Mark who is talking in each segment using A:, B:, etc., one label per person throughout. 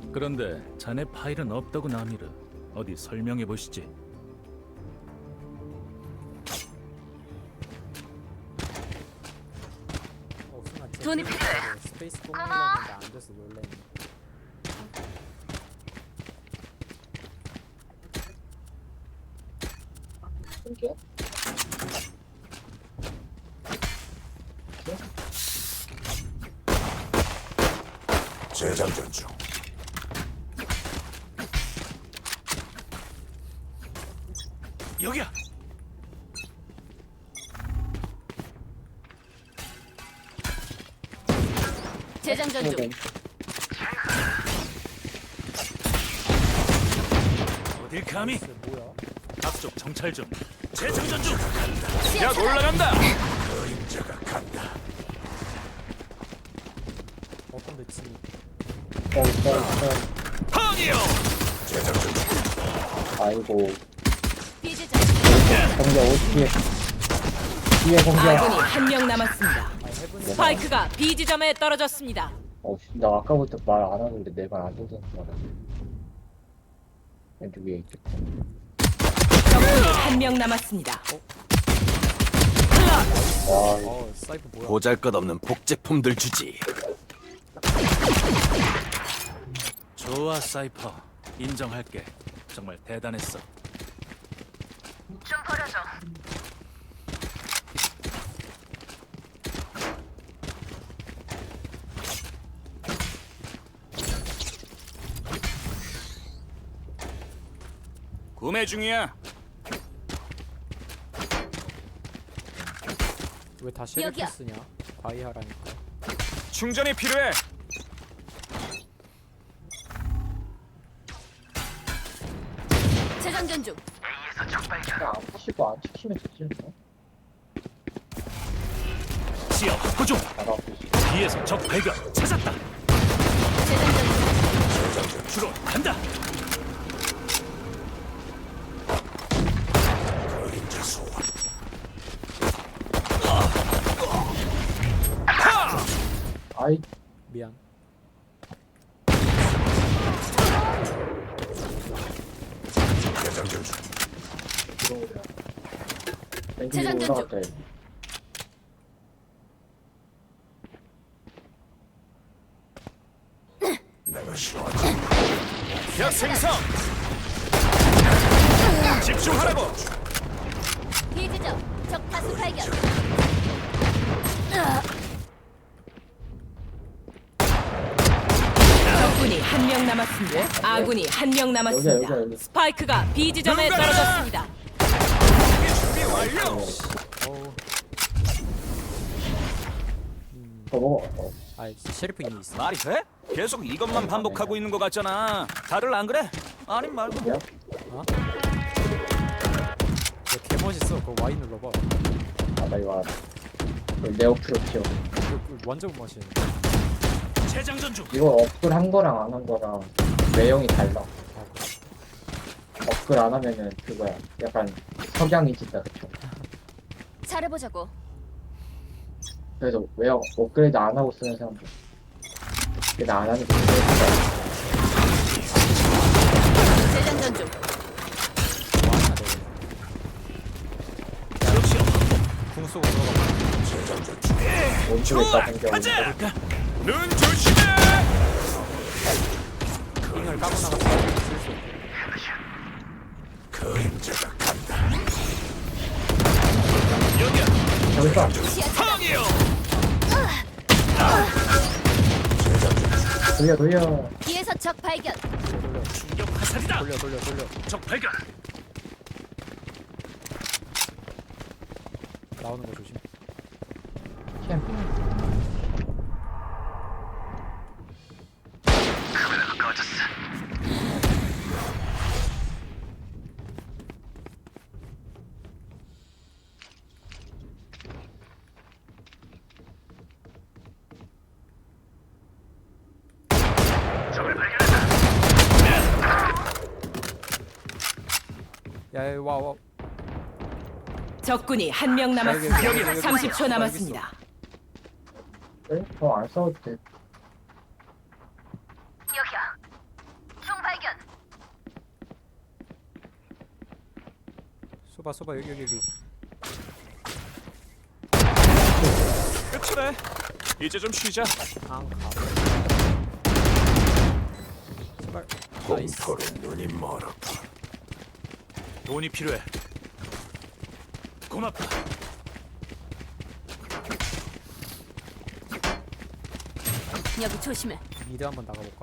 A: 그런데 자네 파일은 없다고 나미르. 어디 설명해 보시지.
B: 순간
C: 돈이 필요해.
B: 스페이스 꼭 눌렀는데 안 돼서 놀랬네.
D: 신기해?
E: 재장전 중.
A: 여기야.
C: 재장전 중.
A: 어딜 감히?
B: 뭐야?
A: 앞쪽 정찰 중. 재장전 중.
C: 야,
A: 올라간다.
E: 그림자가 간다.
B: 근데 진이
A: 펑이요.
E: 재장전 중.
D: 아이고
C: 비지점.
D: 공격 어떻게 뒤에 공격
F: 아군이 한 명 남았습니다.
B: 해븐이
F: 스파이크가 B 지점에 떨어졌습니다.
D: 나 아까부터 말 안 하는데 내 말 안 듣는 말이야. 왼쪽 위에 있겠다.
F: 적군이 한 명 남았습니다.
D: 와
B: 사이프 뭐야?
E: 보잘것없는 복제품들 주지.
A: 좋아 사이퍼. 인정할게. 정말 대단했어.
C: 좀 버려줘.
A: 구매 중이야.
B: 왜 다 쉐리프
C: 여기야.
B: 쓰냐? 과이하라니까.
A: 충전이 필요해.
C: 재장전 중.
D: 그냥 안 치고 안 치키면 되지 않나?
A: 지하 확보 중.
D: 잘하고 있어.
A: 뒤에서 적 발견. 찾았다.
C: 재장전 중.
A: 주로 간다.
E: 그림자 소환.
D: 아이
B: 미안.
E: 재장전 중.
D: 들어오려. 왼쪽
C: 재장전 중.
D: 올라갔다. 얘.
E: 내가 싫어하지.
A: 약 생성. 집중하라고.
C: 비지점. 적 다수 발견.
F: 적군이 한 명 남았습니다. 아군이 한 명 남았습니다.
D: 여기야.
F: 스파이크가 B 지점에 떨어졌습니다.
A: 준비 완료.
B: 어우.
D: 더 먹어.
B: 쉐리프 이미 있어.
A: 말이 돼? 계속 이것만 반복하고 있는 것 같잖아. 다들 안 그래? 아니 말고.
D: 야?
B: 개 멋있어. 그거 Y 눌러봐.
D: 나 이거 알아. 네오 프로티오.
B: 이거 완전 멋있네.
A: 재장전 중.
D: 이거 업글 한 거랑 안 한 거랑 내용이 달라. 업글 안 하면은 그거야. 약간 석양이 진다 그쵸?
C: 잘해보자고.
D: 그래서 왜 업그레이드 안 하고 쓰는 사람들. 근데 나 안 하는 게
C: 재장전 중.
B: 뭐하냐 너.
A: 역시
B: 궁 쏘고 들어가.
E: 재장전 중.
D: 원쪽에 있다 생겨.
A: 가자. 눈 조심해.
B: 링을 까고 나가서 쓸수 없고.
E: 그림자가 간다.
A: 여기야.
D: 저기서
A: 펑이요.
D: 돌려.
C: 뒤에서 적 발견.
B: 돌려.
A: 충격 화살이다.
B: 돌려.
A: 적 발견.
B: 나오는 거 조심.
D: 캠핑.
B: 야, 와.
F: 적군이 한 명 남았습니다.
B: 여기,
F: 30초 남았습니다.
D: 네? 더안 싸워도 돼.
C: 여기야.
B: 쏘봐 여기.
A: 끝이래. 이제 좀 쉬자.
B: 앙카. 제발. 나이스.
E: 공포로 눈이 멀었다.
A: 돈이 필요해. 고맙다.
C: 여기 조심해.
B: 미드 한번 나가볼까?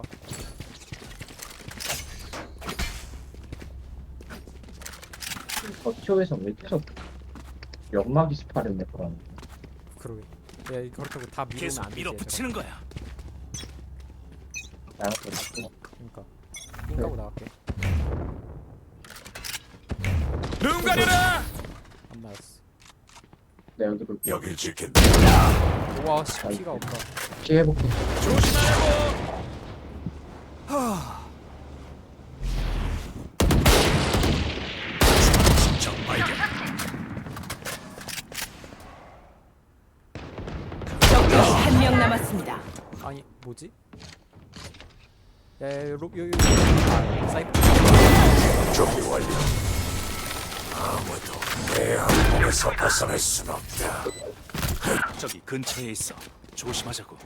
D: 버티오에서 왜 계속 연막이 스파를 내거라는
B: 그러게. 야 이거 그렇다고 다 밀으면
A: 계속
B: 안 되지.
A: 밀어붙이는 거야.
D: 나한테 있고.
B: 그러니까. 삥 까고 나갈게.
A: 눈 가려라.
B: 안 맞았어.
D: 내가 여기 볼게.
E: 여길 지킨다.
B: 우와 씨 피가 없다.
D: 피해볼게.
A: 조심하라고.
E: 적 발견.
F: 적군이 한 명 남았습니다.
B: 아니 뭐지? 여기. 아 사이프.
E: 준비 완료. 아무도 내 항공에서 벗어날 순 없다.
A: 저기 근처에 있어. 조심하자고.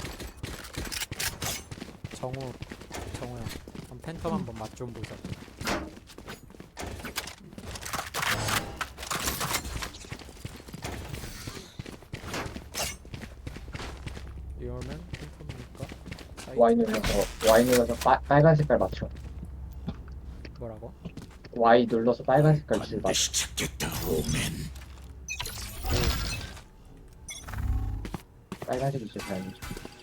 B: 정우야. 그럼 팬텀 한번 맛 좀 보자. 이러면 팬텀이니까
D: Y 눌러서 빨간 색깔 맞춰.
B: 뭐라고?
D: Y 눌러서 빨간 색깔 줄 맞춰.
E: 반드시 찾겠다. 오멘.
D: 빨간색이 제일 다행이죠.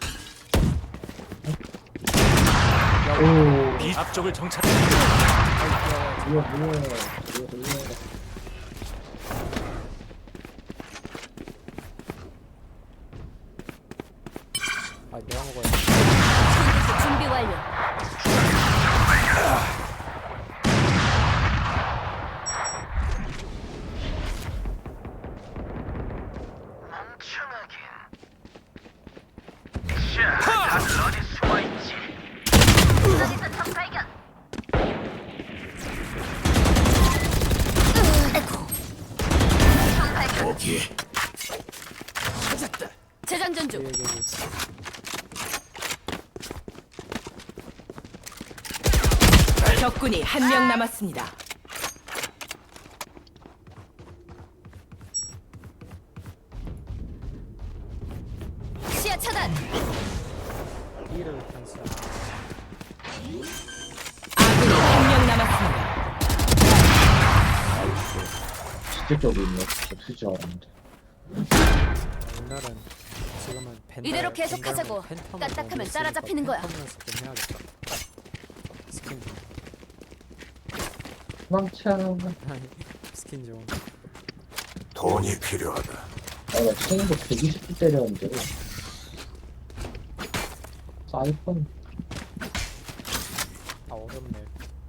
D: 오,
A: 비 앞쪽을 정찰.
D: 이거.
B: 아 내가 먹어야
C: 총기 준비 완료.
E: 거기에
C: 재장전 중.
B: 여기.
F: 적군이 한 명 남았습니다.
C: 시야 차단.
B: B를 탄수야.
F: 아군이 한 명 남았습니다.
D: 진짜 쪽에 있네. 없을 줄 알았는데.
B: 옛날엔 지금은 벤달.
C: 이대로 계속하자고.
B: 벤달은 팬텀을
C: 까딱하면
B: 너무
C: 따라잡히는 거야.
B: 팬텀 연습 좀 해야겠다. 스킨 좀.
D: 도망쳐.
B: 아니 스킨 좀.
E: 돈이 필요하다.
D: 나 체인도 120분 때렸는데. 사이폰.
B: 아 어렵네.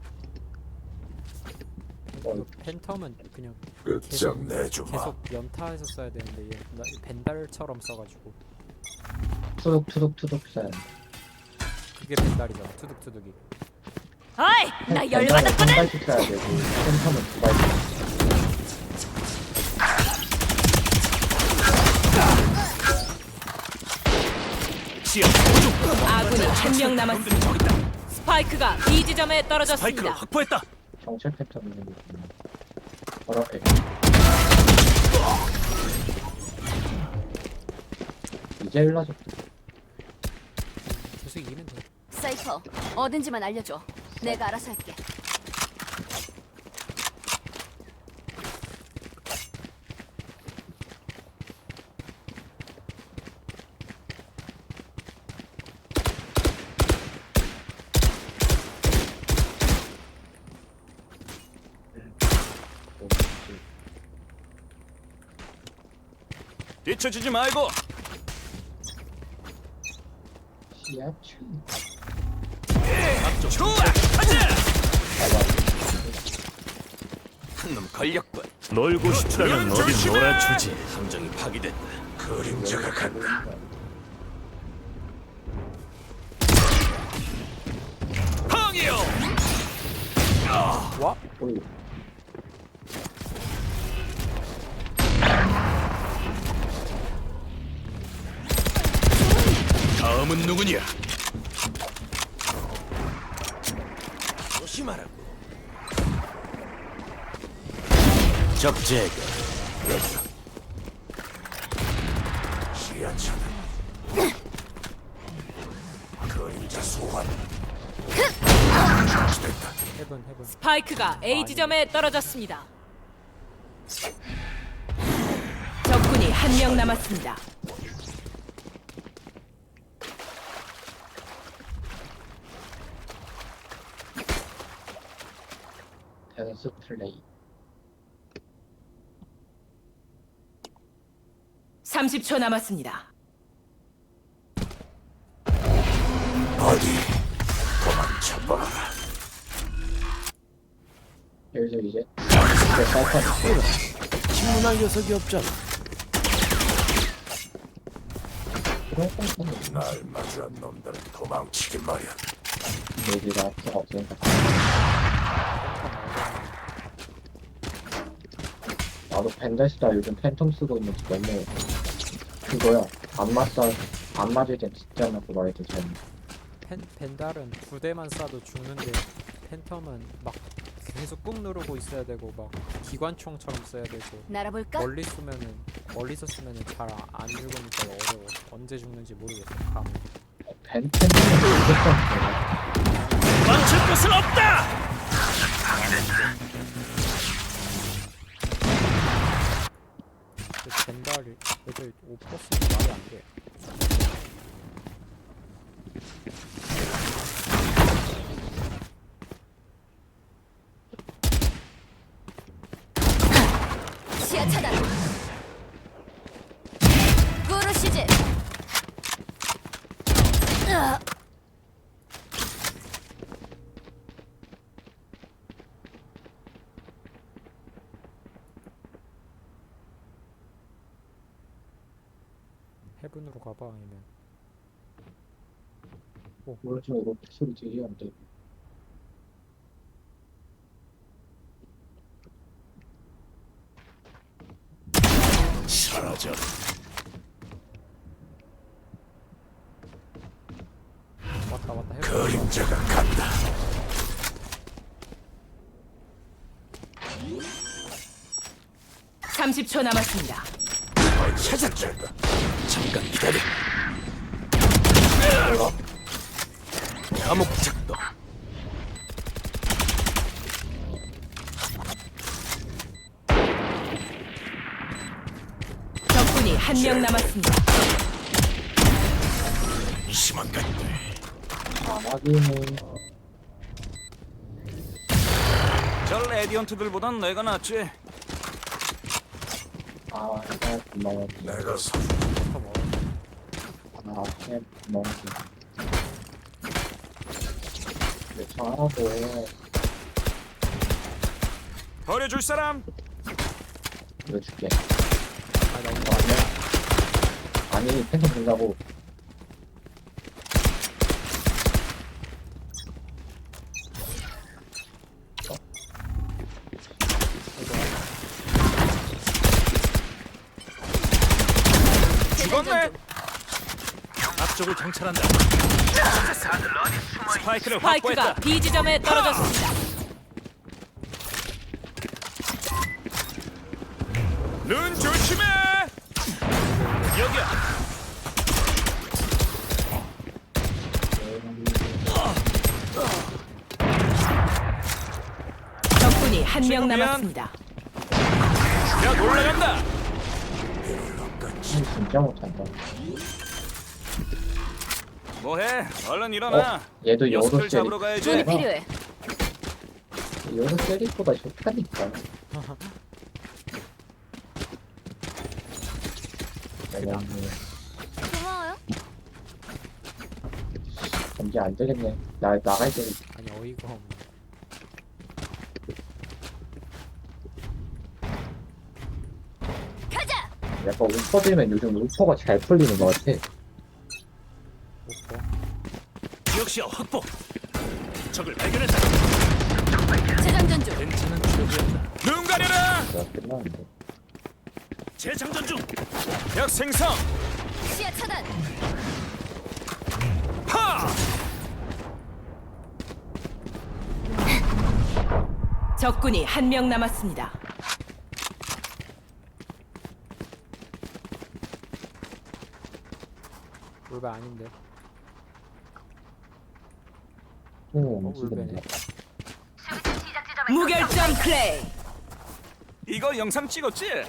D: 어.
B: 팬텀은 그냥
E: 끝장 내주마.
B: 계속 연타해서 써야 되는데 얘 벤달처럼 써가지고
D: 투둑 써야 돼.
B: 그게 벤달이잖아. 투둑투둑이.
C: 어이, 나 열받았거든.
D: 한 발씩 써야 되고, 펜텀은 두 발씩.
A: 지하 오중.
F: 아군이 한 명 남았습니다.
A: 저기 있다.
F: 스파이크가 B 지점에
A: 바이크를
F: 떨어졌습니다.
A: 확보했다.
D: 경찰 펜텀 있는 게 있구나. 바로 앞에. 이제 일러졌다.
B: 계속 이기면 돼.
C: 사이퍼, 어딘지만 알려줘. 내가 알아서 할게.
A: 뒤처지지 말고.
D: 시야추.
A: 앞쪽. 좋아. 가자. 한 놈 걸렸군. 놀고 싶다면 어디 놀아주지. 함정이 파괴됐다.
E: 그림자가 간다.
A: 항이요.
B: 와?
D: 오이.
A: 다음은 누구냐? 조심하라고. 적재가
E: 시야차다. 그림자 소환. 됐다.
B: 해븐.
F: 스파이크가 A 지점에 떨어졌습니다. 적군이 한 명 남았습니다.
D: 댄스 플레이.
F: 30초 남았습니다.
E: 어디 도망쳐봐.
D: 여기서 이제 사이판
A: 신문할 녀석이 없잖아.
D: 그런 건
E: 날 마주한 놈들은 도망치기 마련.
D: 얘기가 필요가 없으니까. 나도 벤데스다 요즘 팬텀 쓰고 있는지 너무 그거야. 안 맞을 땐 진짜 나고 말이 더 재밌네.
B: 벤달은 2대만 쏴도 죽는데 팬텀은 막 계속 꾹 누르고 있어야 되고 막 기관총처럼 써야 되고
C: 날아볼까?
B: 멀리서 쓰면은 잘 안 죽으니까 어려워. 언제 죽는지 모르겠어. 감이.
D: 팬텀은 무조건
A: 망칠 것은 없다.
B: 근데 벤달이 애들 5%는 말이 안 돼.
C: 시야 차단. 꾸르시지.
B: 해븐으로 가봐 아니면
D: 오른쪽으로 소리 되게 안 돼.
A: 사라져.
B: 왔다 해븐.
E: 그림자가 간다.
F: (30초) 남았습니다.
E: 찾았다.
A: 잠깐 기다려. 감옥 작동.
F: 적군이 한 명 남았습니다.
A: 심한 것들.
D: 아마기는
A: 저 레디언트들보단 내가 낫지.
D: 고마워.
E: 내가 서
D: 고마워. 근데 잘하고
A: 버려줄 사람?
D: 보여줄게. 나 이거 아니야? 아니 팬텀 준다고.
A: 죽었네. 앞쪽을 정찰한다. 스파이크를
F: 스파이크가
A: 확보했다.
F: B 지점에 떨어졌습니다.
A: 눈 조심해. 여기야.
F: 적군이 한 명
A: 지금 미안.
F: 남았습니다.
A: 야 올라간다.
D: 진짜 못한다.
A: 뭐해? 얼른 일어나.
D: 얘도
A: 녀석들
D: 여러
A: 잡으러
D: 세리.
A: 가야지.
C: 돈이 필요해.
D: 여러 세리보다 좋다니까. 내가
C: 고마워요.
D: 이제 안 되겠네. 나 나갈 때
B: 아니 어이가 없네.
C: 가자.
D: 약간 우퍼 들면 요즘 우퍼가 잘 풀리는 것 같아.
B: 오퍼.
A: 지역시야 확보. 적을 발견했다.
C: 재장전 중.
A: 괜찮은 추억이었다. 눈 가려라.
D: 내가 끝나는데.
A: 재장전 중. 약 생성.
C: 시야 차단.
F: 적군이 한 명 남았습니다.
B: 울베 아닌데.
D: 움직인데.
F: 무결점 플레이.
A: 이거 영상 찍었지?
D: 얘는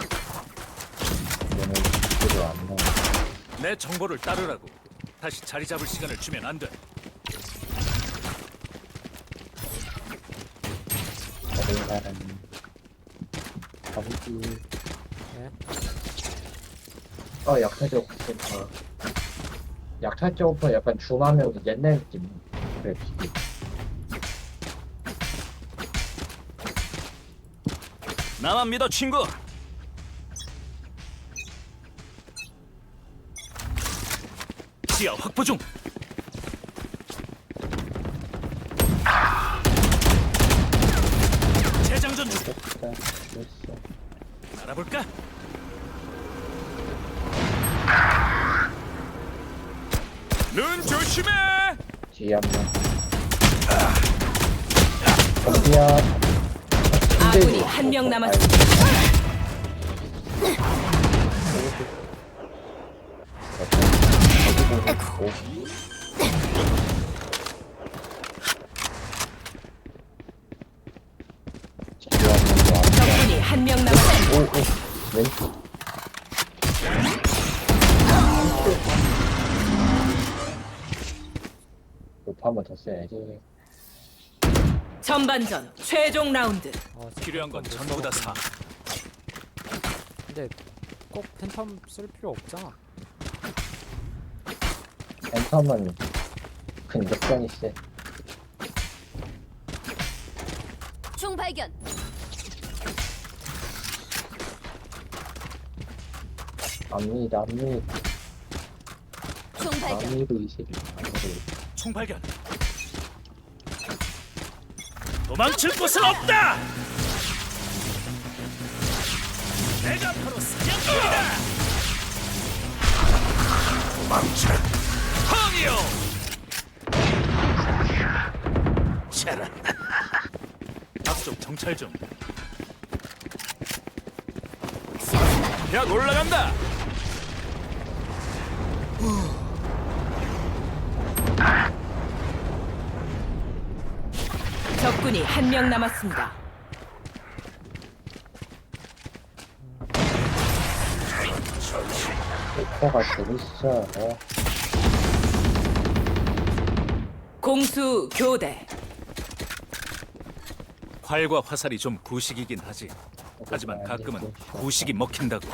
D: 지지를 안 넣어.
A: 내 정보를 따르라고. 다시 자리 잡을 시간을 주면 안 돼.
D: 다른 사람이 가보지.
B: 네?
D: 약탈자 오퍼. 약탈자 오퍼 약간 줌하면 옛날 느낌. 그래, 비비.
A: 나만 믿어, 친구. 지하 확보 중. 재장전 중.
D: 됐다. 됐어.
A: 알아볼까? 눈 조심해.
D: 뒤에 한 명. 어디야?
F: 아군이 한 명 남았습니다. 적군이 한 명 남았습니다.
D: 오, 왼쪽. 높아 한번 더 써야지.
F: 전반전 최종 라운드.
A: 필요한 건 전부 다 사.
B: 근데 꼭 팬텀 쓸 필요 없잖아.
D: 팬텀은 근접전이 세.
C: 총 발견.
D: 압니다.
C: 총 발견.
D: 압니도 이세.
A: 총 발견. 도망칠 곳은 없다. 내가 바로 사냥꾼이다.
E: 도망쳐.
A: 황이요. 차라. 앞쪽 정찰 중. 야, 올라간다.
F: 적군이 한 명 남았습니다.
D: 오퍼가 재밌어.
F: 공수 교대.
A: 활과 화살이 좀 구식이긴 하지. 하지만 가끔은 구식이 먹힌다고.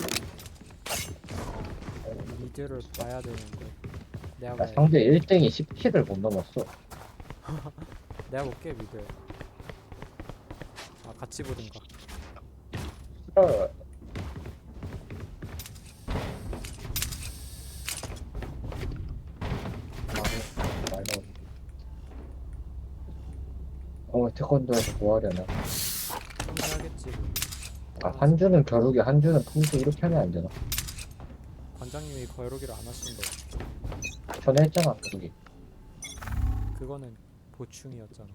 B: 미드를 봐야 되는데. 내가
D: 야,
B: 봐야
D: 상대 1등이 10킬을 못 넘었어.
B: 내가 볼게 미드. 아 같이 보든가.
D: 어. 태권도에서 뭐 하려나?
B: 해야겠지. 뭐.
D: 한주는 겨루기, 한주는 풍수 이렇게 하면 안 되나?
B: 관장님이 거르기를 안 하신다.
D: 전에 했잖아, 겨루기.
B: 그거는 보충이었잖아.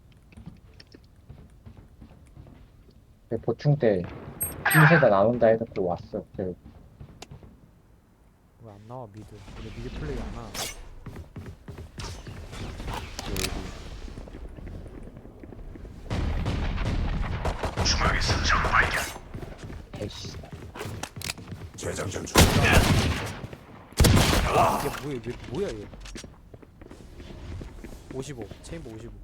D: 보충 때 힘세가 나온다 해놓고 왔어.
B: 왜 안 나와 미드? 근데 미드 플레이 안 와.
E: 중앙에서 적 발견.
D: 에이씨.
E: 재장전 중.
B: 이게 뭐야 얘? 55 체인버 55.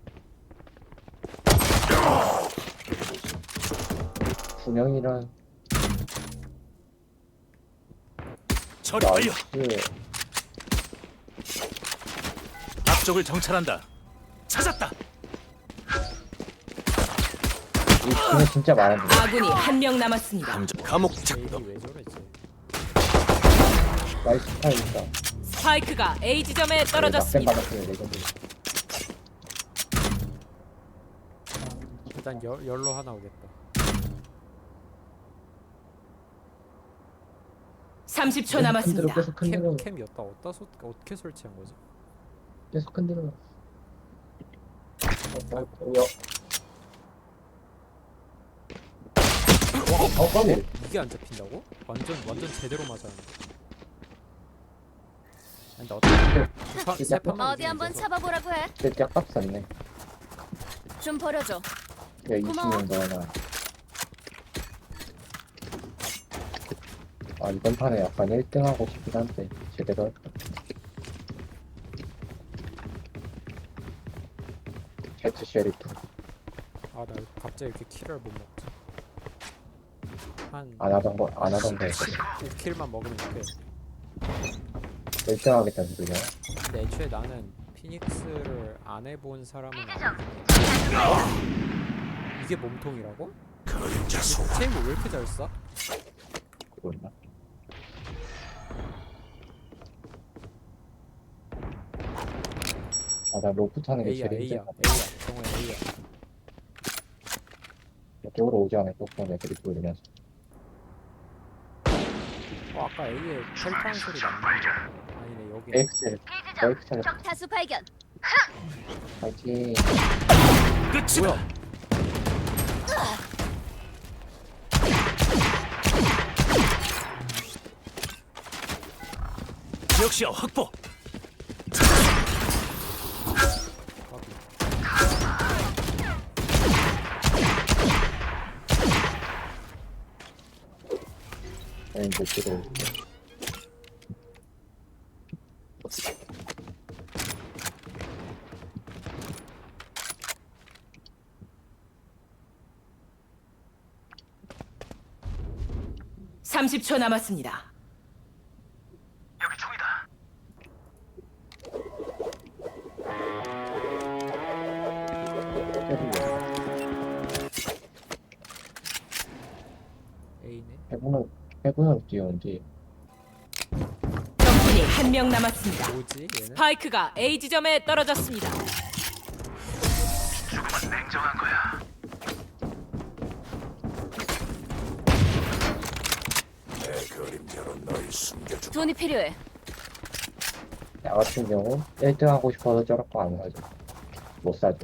D: 분영이란
A: 처리 완료.
D: 나이스.
A: 앞쪽을 정찰한다. 찾았다.
D: 이 팀이 진짜 많은데.
F: 아군이 한 명 남았습니다.
A: 감옥
B: 제일이
A: 작동.
B: 왜 저러지?
D: 나이스 스타일이다.
F: 스파이크가 A 지점에
D: 낙된
F: 떨어졌습니다.
D: 받았어요, 레전드.
B: 일단 열로 하나 오겠다.
F: 30초 남았습니다.
D: 계속 흔들어.
B: 캠 어디다 어떻게 설치한 거지?
D: 계속 흔들어. 여. 빨리.
B: 이게 안 잡힌다고? 완전 제대로 맞았는데. 근데 어떻게 세 판만
C: 어디 한번 잡아보라고 해.
D: 진짜 값쌌네.
C: 좀 버려줘.
D: 야,
C: 고마워.
D: 20년 더 하나. 아, 이번 판에 약간 1등 하고 싶긴 한데, 제대로 할까? 제트 쉐리프.
B: 아, 나 갑자기 이렇게 킬을 못 먹지. 한
D: 안 하던 거 했어.
B: 5킬만 먹으면 돼.
D: 1등 하겠다는 소리야.
B: 근데 애초에 나는 피닉스를 안 해본 사람은 아니거든. 이게 몸통이라고?
E: 그림자 소환.
B: 체인볼 왜 이렇게 잘 쏴?
D: 그거였나? 아, 나 로프 타는 게
B: A야
D: 제일
B: A야
D: 힘들어.
B: A야 정우야 A야.
D: 이쪽으로 오지 않아, 조금 애들이 보이면서.
B: 아까 A에 펠타는 소리 났는데. 아니네 여기.
D: 엑셀, 엑셀,
C: 적 타수 발견.
D: 파이팅.
A: 끝이다. 지역시야 확보.
D: 이제 들어올게.
F: (30초) 남았습니다.
E: 여기 총이다.
B: A네.
D: 해군은 뛰어온지.
F: 적군이 한 명 남았습니다.
B: 뭐지 얘는?
F: 스파이크가 A 지점에 떨어졌습니다.
E: 죽음은 냉정한 거야. 내 그림자로 널 숨겨주마.
C: 돈이 필요해.
D: 나 같은 경우 1등 하고 싶어서 저럴 거 안 사죠. 못 사죠.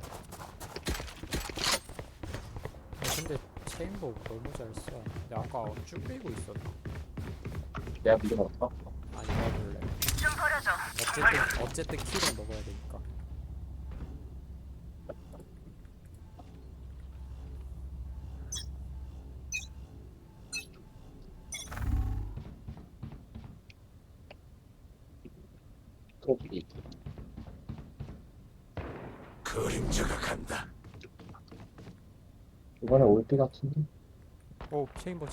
B: 근데 체인볼 너무 잘 쏴. 근데 아까 쭉 빼고 있었나?
D: 내가 믿음 없어?
B: 아니 해볼래.
C: 좀 버려줘.
B: 어쨌든 킬은 먹어야 되니까.
D: 토끼.
E: 그림자가 간다.
D: 이번에 올때 같은데?
B: 오 체인볼.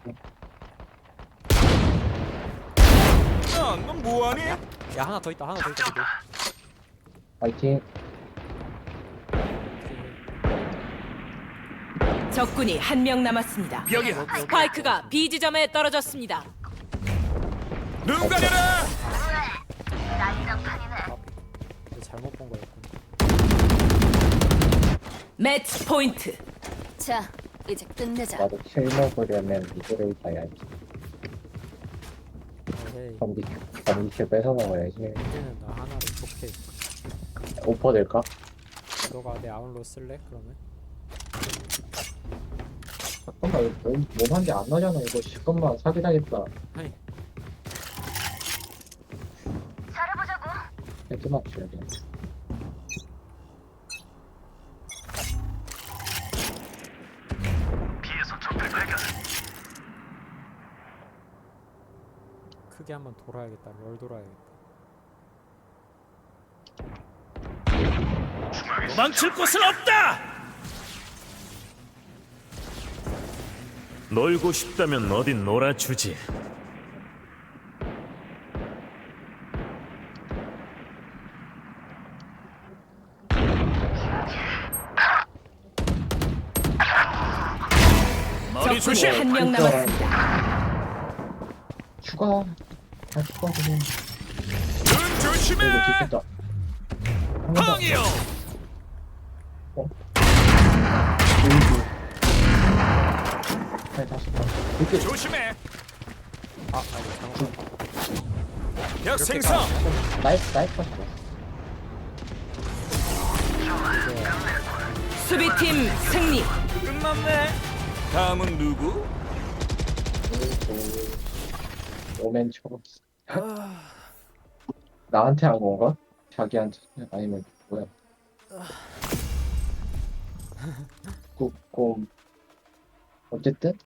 A: 넌 뭐하니?
B: 야 하나 더 있다. 미드.
D: 파이팅.
F: 적군이 한 명 남았습니다.
A: 여기야.
F: 스파이크가 B 지점에 떨어졌습니다.
A: 눈 가려라.
B: 근데 잘못 본 거였군.
F: 매치 포인트.
C: 자, 이제 끝내자.
D: 나도 킬 먹으려면 미드를 봐야지.
B: 에이
D: 검기킬 뺏어 먹어야지.
B: 이제는 나 하나를 좋게.
D: 오퍼 될까?
B: 너가 내 아웃로 쓸래? 그러면?
D: 잠깐만, 이거 몸한 개 안 나잖아. 이거 잠깐만 사기당했다.
B: 아니
C: 잘해보자고.
D: 헤드 맞춰야 돼.
E: 비에서 적들 발견.
B: 크게 한번 돌아야겠다. 롤 돌아야겠다.
A: 도망칠 곳은 없다. 놀고 싶다면 어딘 놀아주지. 머리
F: 적군이
A: 조심.
F: 한 명 남았습니다.
D: 추가. 다 추가하면.
A: 눈 조심해.
D: 이거 뒤겠다.
A: 펑이요.
D: 다시 봐. 이렇게
A: 조심해.
B: 이거 잘못.
A: 약 생성.
D: 나이스 봤어.
F: 수비팀 승리.
A: 끝났네. 다음은 누구?
D: 오멘 초록. 나한테 한 건가? 자기한테 아니면 뭐야? ቁ꼼 어쨌든